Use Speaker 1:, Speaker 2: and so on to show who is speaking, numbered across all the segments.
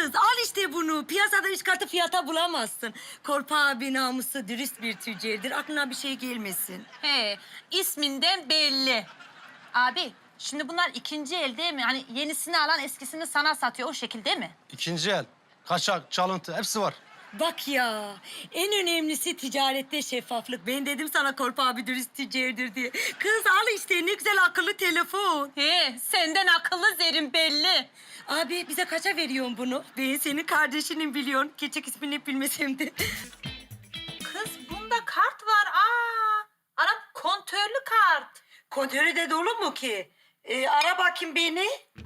Speaker 1: Kız al işte bunu. Piyasada 3 katı fiyata bulamazsın. Korpa abi namuslu, dürüst bir tüccardır. Aklına bir şey gelmesin.
Speaker 2: He, isminden belli. Abi, şimdi bunlar ikinci el değil mi? Hani yenisini alan eskisini sana satıyor o şekilde mi?
Speaker 3: İkinci el, kaçak, çalıntı hepsi var.
Speaker 1: Bak ya, en önemlisi ticarette şeffaflık. Ben dedim sana Korpa abi dürüst tüccardır diye. Kız al işte ne güzel akıllı telefon.
Speaker 2: He, senden akıllı Zerrin belli.
Speaker 1: Abi bize kaça veriyorsun bunu? Ben senin kardeşinin biliyorsun. Küçük ismini bilmesem de.
Speaker 2: Kız bunda kart var. Arap kontörlü kart.
Speaker 1: Kontörü de dolu mu ki? Ara bakayım beni.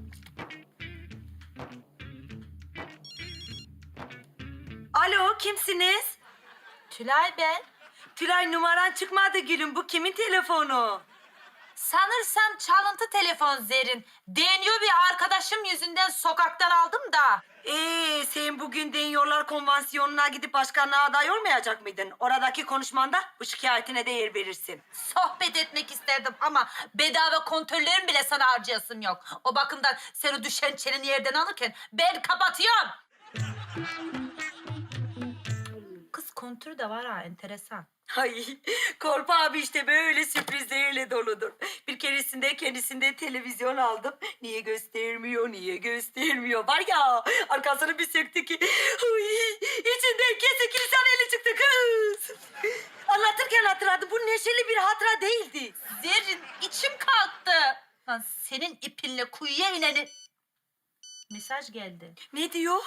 Speaker 1: Alo, kimsiniz?
Speaker 2: Tülay ben.
Speaker 1: Tülay numaran çıkmadı gülüm. Bu kimin telefonu?
Speaker 2: Sanırsam çalıntı telefon Zerrin. Deniyor bir arkadaşım yüzünden sokaktan aldım da.
Speaker 1: Sen bugün Deniyorlar Konvansiyonu'na gidip başkanlığa aday olmayacak mıydın? Oradaki konuşmanda bu şikayetine de yer verirsin.
Speaker 2: Sohbet etmek isterdim ama bedava kontörlerim bile sana harcayasım yok. O bakımdan sen o düşen çeneni yerden alırken ben kapatıyorum. Kız kontür de var ha, enteresan.
Speaker 1: Ay, Korpa abi işte böyle sürprizlerle doludur. Bir keresinde kendisinde televizyon aldım. Niye göstermiyor, niye göstermiyor? Var ya, arkasını bir söktü ki... Ay, içinden kesik insan eli çıktı kız. Anlatırken hatırladım. Bu neşeli bir hatıra değildi.
Speaker 2: Zerrin içim kalktı. Lan senin ipinle kuyuya ineni... Mesaj geldi.
Speaker 1: Ne diyor?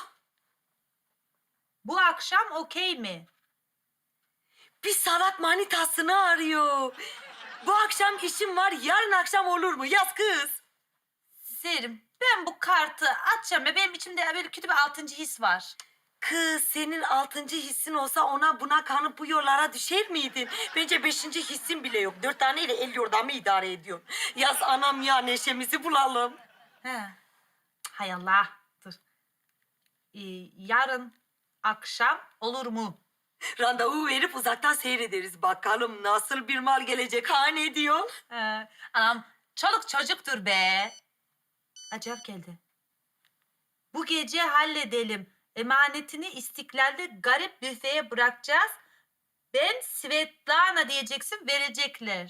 Speaker 2: Bu akşam okey mi?
Speaker 1: Bir sanat manitasını arıyor. Bu akşam işim var, yarın akşam olur mu? Yaz kız.
Speaker 2: Zerrin ben bu kartı açacağım ya benim içimde böyle kötü bir altıncı his var.
Speaker 1: Kız senin 6. hissin olsa ona buna kanıp bu yollara düşer miydin? Bence 5. hissin bile yok. 4 taneyle el yordamı idare ediyorsun. Yaz anam ya neşemizi bulalım.
Speaker 2: He. Hay Allah. Dur. Yarın akşam olur mu?
Speaker 1: Randevu verip uzaktan seyrederiz. Bakalım nasıl bir mal gelecek ha ne diyor?
Speaker 2: Anam çoluk çocuktur be. Acayip geldi. Bu gece halledelim. Emanetini İstiklal'de garip büfeye bırakacağız. Ben Svetlana diyeceksin, verecekler.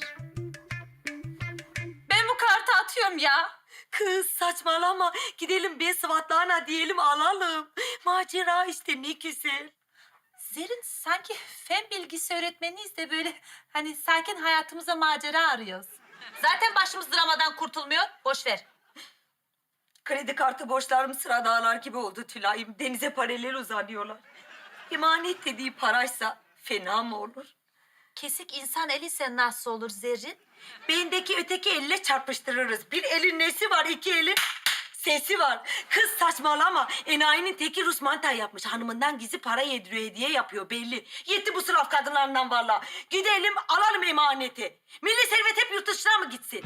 Speaker 2: Ben bu kartı atıyorum ya.
Speaker 1: Kız saçmalama. Gidelim bir Svatlana diyelim alalım. Macera işte ne güzel.
Speaker 2: Zerrin sanki fen bilgisi öğretmeniyiz de böyle hani sakin hayatımıza macera arıyoruz. Zaten başımız dramadan kurtulmuyor. Boş ver.
Speaker 1: Kredi kartı borçlarım sıra dağlar gibi oldu Tülay'ım. Denize paralel uzanıyorlar. Emanet dediği paraysa fena mı olur?
Speaker 2: Kesik insan eliyse nasıl olur Zerrin?
Speaker 1: Beyindeki öteki elle çarpıştırırız. Bir elin nesi var, 2 elin sesi var. Kız saçmalama. Enayinin teki Rus mantar yapmış. Hanımından gizli para yediriyor, hediye yapıyor belli. Yetti bu sıraf kadınlarından vallahi. Gidelim alalım emaneti. Milli servet hep yurt dışına mı gitsin?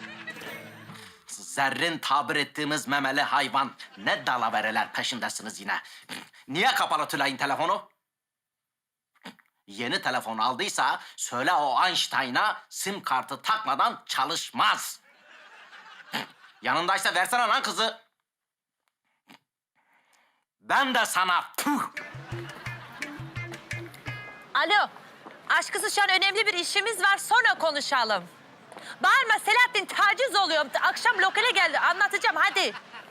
Speaker 4: Zerrin tabir ettiğimiz memeli hayvan. Ne dalavereler peşindesiniz yine. Niye kapalı Tülay'ın telefonu? Yeni telefon aldıysa söyle o Einstein'a sim kartı takmadan çalışmaz. Yanındaysa versene lan kızı. Ben de sana puh.
Speaker 2: Alo. Aşkısı şu an önemli bir işimiz var. Sonra konuşalım. Bağırma Selahattin, taciz oluyor. Akşam lokale geldi. Anlatacağım hadi.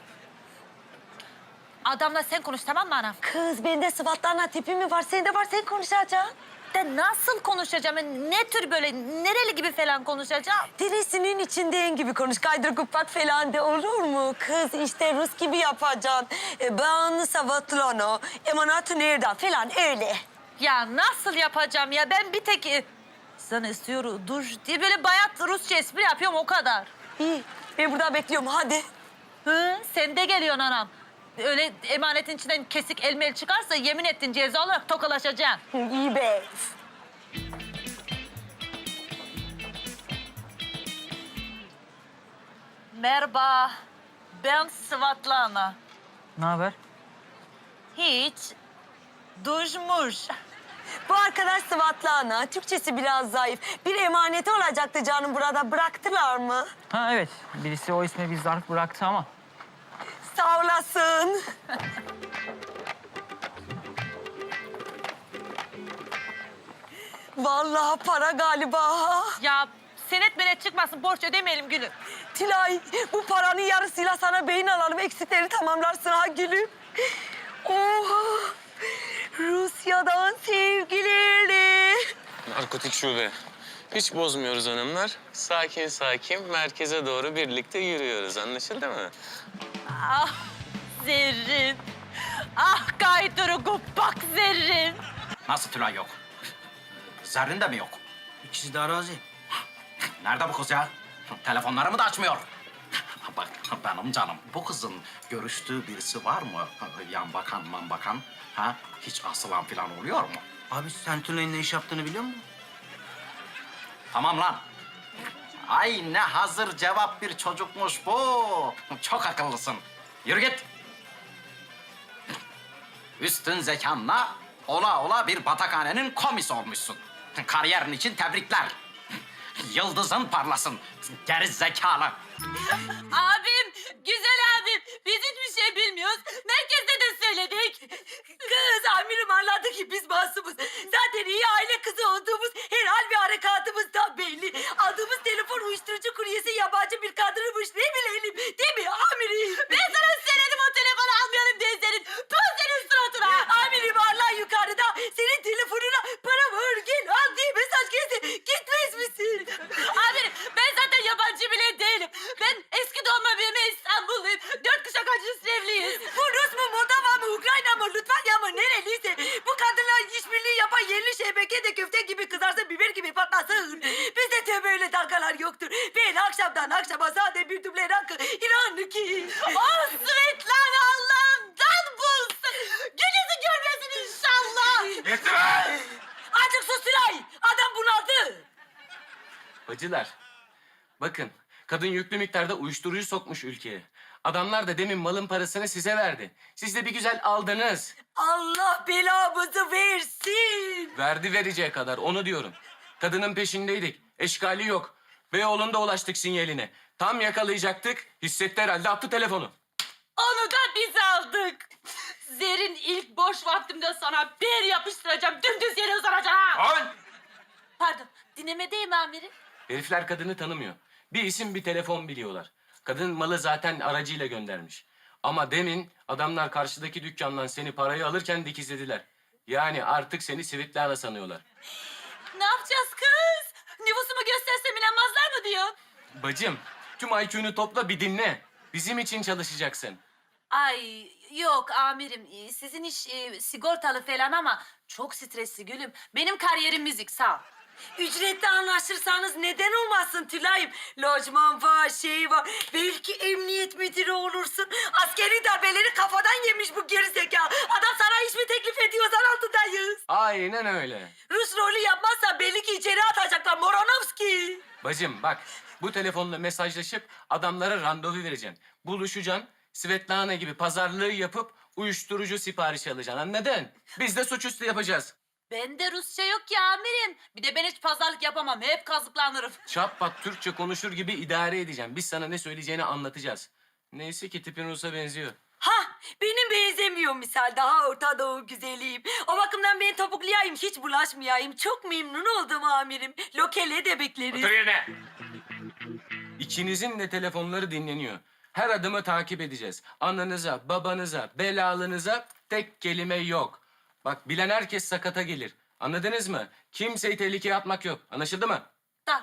Speaker 2: Adamla sen konuş tamam mı anam?
Speaker 1: Kız bende Svatlana tipi mi var? Sende var sen konuşacaksın.
Speaker 2: De nasıl konuşacağım? Ne tür böyle nereli gibi falan konuşacağım?
Speaker 1: Dirisinin içinden gibi konuş. Kaydır kupak falan de olur mu? Kız işte Rus gibi yapacaksın. Ben Svatlana, emanatı nereden falan öyle.
Speaker 2: Ya nasıl yapacağım ya? Ben bir tek sana istiyorum dur diye böyle bayat Rusça espri yapıyorum o kadar.
Speaker 1: İyi ben burada bekliyorum hadi.
Speaker 2: Hı, sen de geliyorsun anam. Öyle emanetin içinden kesik elmel çıkarsa yemin ettin ceza olarak tokalaşacaksın.
Speaker 1: İyi be.
Speaker 2: Merhaba, ben Svatlana.
Speaker 5: Ne haber?
Speaker 2: Hiç, duşmuş.
Speaker 1: Bu arkadaş Svatlana. Türkçesi biraz zayıf. Bir emaneti olacaktı canım burada. Bıraktılar mı?
Speaker 5: Ha evet. Birisi o isme bir zarf bıraktı ama.
Speaker 1: Sağ olasın. Vallahi para galiba.
Speaker 2: Ya senet menet çıkmasın, borç ödemeyelim Gülüm.
Speaker 1: Tülay, bu paranın yarısıyla sana beyin alalım. Eksikleri tamamlarsın ha gülüm. Oha! Rusya'dan sevgilerle.
Speaker 5: Narkotik şube. Hiç bozmuyoruz hanımlar. Sakin sakin merkeze doğru birlikte yürüyoruz. Anlaşıldı mı?
Speaker 2: Ah Zerrin. Ah kaydırık bak Zerrin.
Speaker 4: Nasıl Tülay yok? Zerrin de mi yok?
Speaker 3: İkisi de arazi.
Speaker 4: Nerede bu kız ya? Telefonlarımı da açmıyor. Bak benim canım, bu kızın görüştüğü birisi var mı? Yan bakan, man bakan. Ha? Hiç asılan falan oluyor mu?
Speaker 3: Abi sen Tülay'ın ne iş yaptığını biliyor musun?
Speaker 4: Tamam lan. Ay ne hazır cevap bir çocukmuş bu. Çok akıllısın. Yürü git. Üstün zekanla ola ola bir batakhanenin komisi olmuşsun. Kariyerin için tebrikler. Yıldızın parlasın. Geri zekalı.
Speaker 2: Abim, güzel abim. Biz hiçbir şey bilmiyoruz. Merkezde de söyledik.
Speaker 1: Kız amirim anladı ki biz masumuz. Zaten iyi aile kızı olduğumuz her hal ve harekatımız da belli. Aldığımız telefon uyuşturucu kuryesi yabancı bir kadınmış. Ne bilelim değil mi amirim?
Speaker 2: Ben sana söyledim o telefonu almayalım diye senin. Pıl senin suratına.
Speaker 1: Amirim Allah yukarıda senin telefonuna para var gel al diye mesaj geldi. Gitmez misin?
Speaker 2: Amirim ben zaten yabancı bile değilim. Ben eski doğma büyüme İstanbulluyum. 4 kuşak acısı evliyiz.
Speaker 1: Bu Rus mu, Moldova mı, Ukrayna mı, Litvanya mı nereliyse bu kadınlar işbirliği yapan yerli şebeke de köfte gibi kızarsın, biber gibi patlasın. Bizde tövbe öyle dalgalar yoktur. Ben akşamdan akşama sade bir duble rakı İranlı ki.
Speaker 2: Oh Svetlana Allah'ından bulsun. Gününüzü görmesin inşallah.
Speaker 1: Azıcık sus Tülay. Adam bunaldı.
Speaker 5: Bacılar, bakın kadın yüklü miktarda uyuşturucu sokmuş ülkeye. Adamlar da demin malın parasını size verdi. Siz de bir güzel aldınız.
Speaker 1: Allah belamızı versin.
Speaker 5: Verdi vereceği kadar, onu diyorum. Kadının peşindeydik, eşkali yok. Beyoğlu'nda ulaştık sinyaline. Tam yakalayacaktık, hissetti herhalde, attı telefonu.
Speaker 2: Onu da biz aldık. Zerrin ilk boş vaktimde sana bir yapıştıracağım. Dümdüz yere uzanacağım ha. Pardon, dinlemedeyim amirim.
Speaker 5: Herifler kadını tanımıyor. Bir isim bir telefon biliyorlar. Kadın malı zaten aracıyla göndermiş. Ama demin adamlar karşıdaki dükkandan seni parayı alırken dikizlediler. Yani artık seni Svetlana sanıyorlar.
Speaker 2: Ne yapacağız kız? Nüfusumu göstersem inanmazlar mı diyor?
Speaker 5: Bacım, tüm IQ'nu topla bir dinle. Bizim için çalışacaksın.
Speaker 2: Ay yok amirim, sizin iş sigortalı falan ama çok stresli Gülüm. Benim kariyerim müzik, sağ ol.
Speaker 1: Ücretli anlaşırsanız neden olmasın Tülay'ım? Lojman var, şey var. Belki emniyet müdürü olursun. Askeri darbeleri kafadan yemiş bu gerizekalı. Adam sana iş mi teklif ediyor? Zan altındayız.
Speaker 5: Aynen öyle.
Speaker 1: Rus rolü yapmazsa belli ki içeri atacaklar. Moronovski.
Speaker 5: Bacım bak, bu telefonla mesajlaşıp adamlara randevu vereceksin. Buluşacaksın, Svetlana gibi pazarlığı yapıp uyuşturucu siparişi alacaksın, anladın? Biz de suçüstü yapacağız.
Speaker 2: Bende Rusça yok ya amirim. Bir de ben hiç pazarlık yapamam. Hep kazıklanırım.
Speaker 5: Çatpat Türkçe konuşur gibi idare edeceğim. Biz sana ne söyleyeceğini anlatacağız. Neyse ki tipin Rus'a benziyor.
Speaker 1: Ha, benim benzemiyor misal. Daha Orta Doğu güzeliyim. O bakımdan ben topuklayayım, hiç bulaşmayayım. Çok memnun oldum amirim. Lokele de bekleriz.
Speaker 5: yerine. İkinizin de telefonları dinleniyor. Her adımı takip edeceğiz. Ananıza, babanıza, belalınıza tek kelime yok. Bak bilen herkes sakata gelir. Anladınız mı? Kimseyi tehlikeye atmak yok. Anlaşıldı mı?
Speaker 2: Da.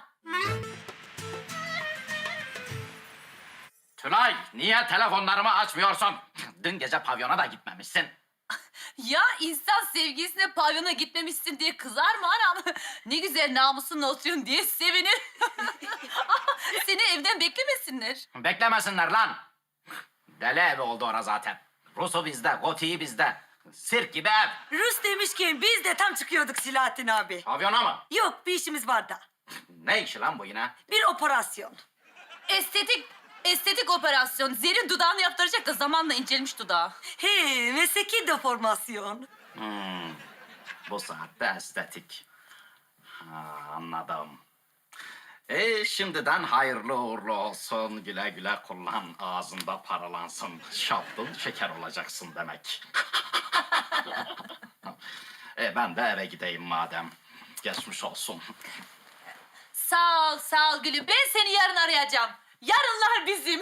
Speaker 4: Tülay, niye telefonlarımı açmıyorsun? Dün gece pavyona da gitmemişsin.
Speaker 2: Ya insan sevgilisine pavyona gitmemişsin diye kızar mı anam? Ne güzel namusunla oturuyorsun diye sevinir. Seni evden beklemesinler.
Speaker 4: Beklemesinler lan. Deli evi oldu ora zaten. Rus'u bizde, Goti'yi bizde. Sirk gibi ev.
Speaker 1: Rus demişken biz de tam çıkıyorduk Silahattin abi.
Speaker 4: Pavyona mı?
Speaker 1: Yok, bir işimiz var da.
Speaker 4: Ne işi lan bu yine?
Speaker 1: Bir operasyon.
Speaker 2: Estetik operasyon. Zerrin dudağını yaptıracak da zamanla incelmiş dudağı.
Speaker 1: He, mesleki deformasyon.
Speaker 4: Bu saatte estetik. Ha, anladım. Şimdiden hayırlı uğurlu olsun. Güle güle kullan. Ağzında paralansın. Şaptın şeker olacaksın demek. Ben de eve gideyim madem. Geçmiş olsun.
Speaker 2: Sağ ol gülüm. Ben seni yarın arayacağım. Yarınlar bizim.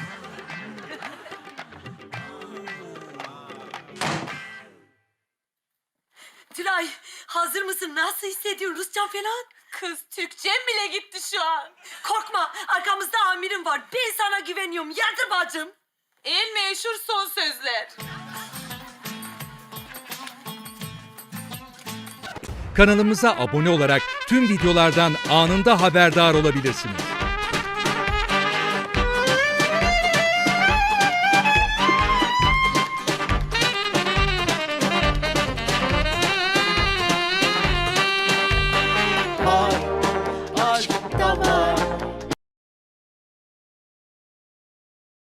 Speaker 1: Tülay hazır mısın? Nasıl hissediyorsun? Rusça falan?
Speaker 2: Kız Türkçem bile gitti şu an.
Speaker 1: Korkma arkamızda amirim var. Ben sana güveniyorum. Yardır bacım.
Speaker 2: El meşhur son sözler.
Speaker 6: Kanalımıza abone olarak tüm videolardan anında haberdar olabilirsiniz.